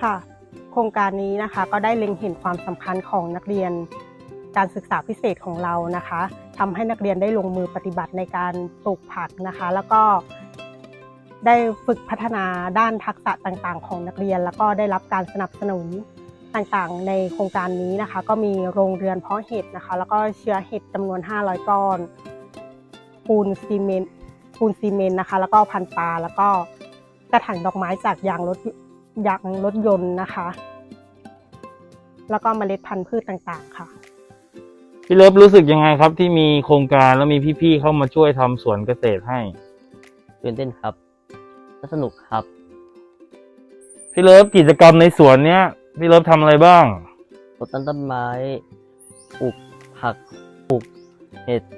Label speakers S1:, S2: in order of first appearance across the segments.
S1: ค่ะโครงการนี้นะคะก็ได้เล็งเห็นความสำคัญของนักเรียนการศึกษาพิเศษของเรานะคะทำให้นักเรียนได้ลงมือปฏิบัติในการปลูกผักนะคะแล้วก็ได้ฝึกพัฒนาด้านทักษะต่างๆของนักเรียนแล้วก็ได้รับการสนับสนุนต่างๆในโครงการนี้นะคะก็มีโรงเรือนเพาะเห็ดนะคะแล้วก็เชื้อเห็ดจำนวน500ก้อนปูนซีเมนต์นะคะแล้วก็พันธุ์ปลาแล้วก็กระถางดอกไม้จากยางรถยนต์นะคะแล้วก็เมล็ดพันธุ์พืชต่างๆค่ะ
S2: พี่เลิฟรู้สึกยังไงครับที่มีโครงการแล้วมีพี่ๆเข้ามาช่วยทำสวนเกษตรให้
S3: ตื่นเต้นครับและสนุกครับ
S2: พี่เลิฟกิจกรรมในสวนเนี้ยพี่เลิฟทำอะไรบ้าง
S3: รดต้นไม้ปลูกผักปลูกเห็ด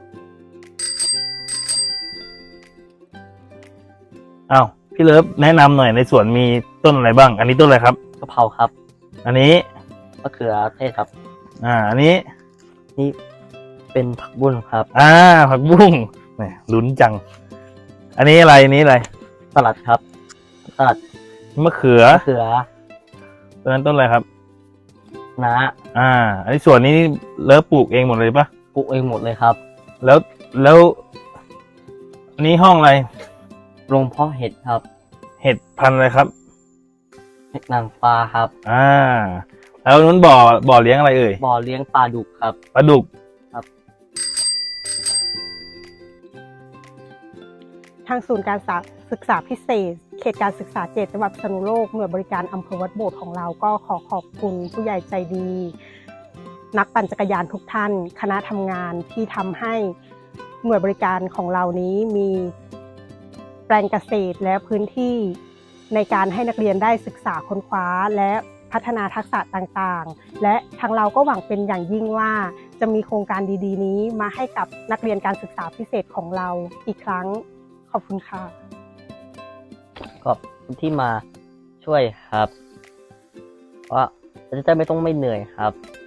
S2: อ้าวพี่เลิฟแนะนำหน่อยในสวนมีต้นอะไรบ้างอันนี้ต้นอะไรครับ
S3: กะเพราครับ
S2: อันนี้
S3: มะเขือเทศครับ
S2: อันนี้
S3: นี่เป็นผักบุ้งครับ
S2: ผักบุ้งแหมลุ้นจังอันนี้อะไรอันนี้อะไร
S3: สลัดครับสลัด
S2: มะเขือต้นนั้นต้นอะไรครับ
S3: นะ
S2: อันนี้ส่วนนี้เลิฟปลูกเองหมดเลยปะ
S3: ปลูกเองหมดเลยครับ
S2: แล้วอันนี้ห้องอะไร
S3: โรงเพาะเห็ดครับ
S2: เห็ดพันธุ์อะไรครับ
S3: เห็ดนางฟ้าครับ
S2: แล้วนู้นบ่อเลี้ยงอะไรเอ่ย
S3: บ่อเลี้ยงปลาดุกครับ
S2: ปลาดุก
S3: ครับ
S1: ทางศูนย์การศึกษาพิเศษเขตการศึกษา7จังหวัดพิษณุโลกหน่วยบริการอำเภอวัดโบสถ์ของเราก็ขอขอบคุณผู้ใหญ่ใจดีนักปั่นจักรยานทุกท่านคณะทำงานที่ทำให้หน่วยบริการของเรานี้มีแปลงเกษตรและพื้นที่ในการให้นักเรียนได้ศึกษาค้นคว้าและพัฒนาทักษะต่างๆและทางเราก็หวังเป็นอย่างยิ่งว่าจะมีโครงการดีๆนี้มาให้กับนักเรียนการศึกษาพิเศษของเราอีกครั้งขอบคุณค่ะ
S3: ขอบคุณที่มาช่วยครับว่าจะไม่ต้องไม่เหนื่อยครับ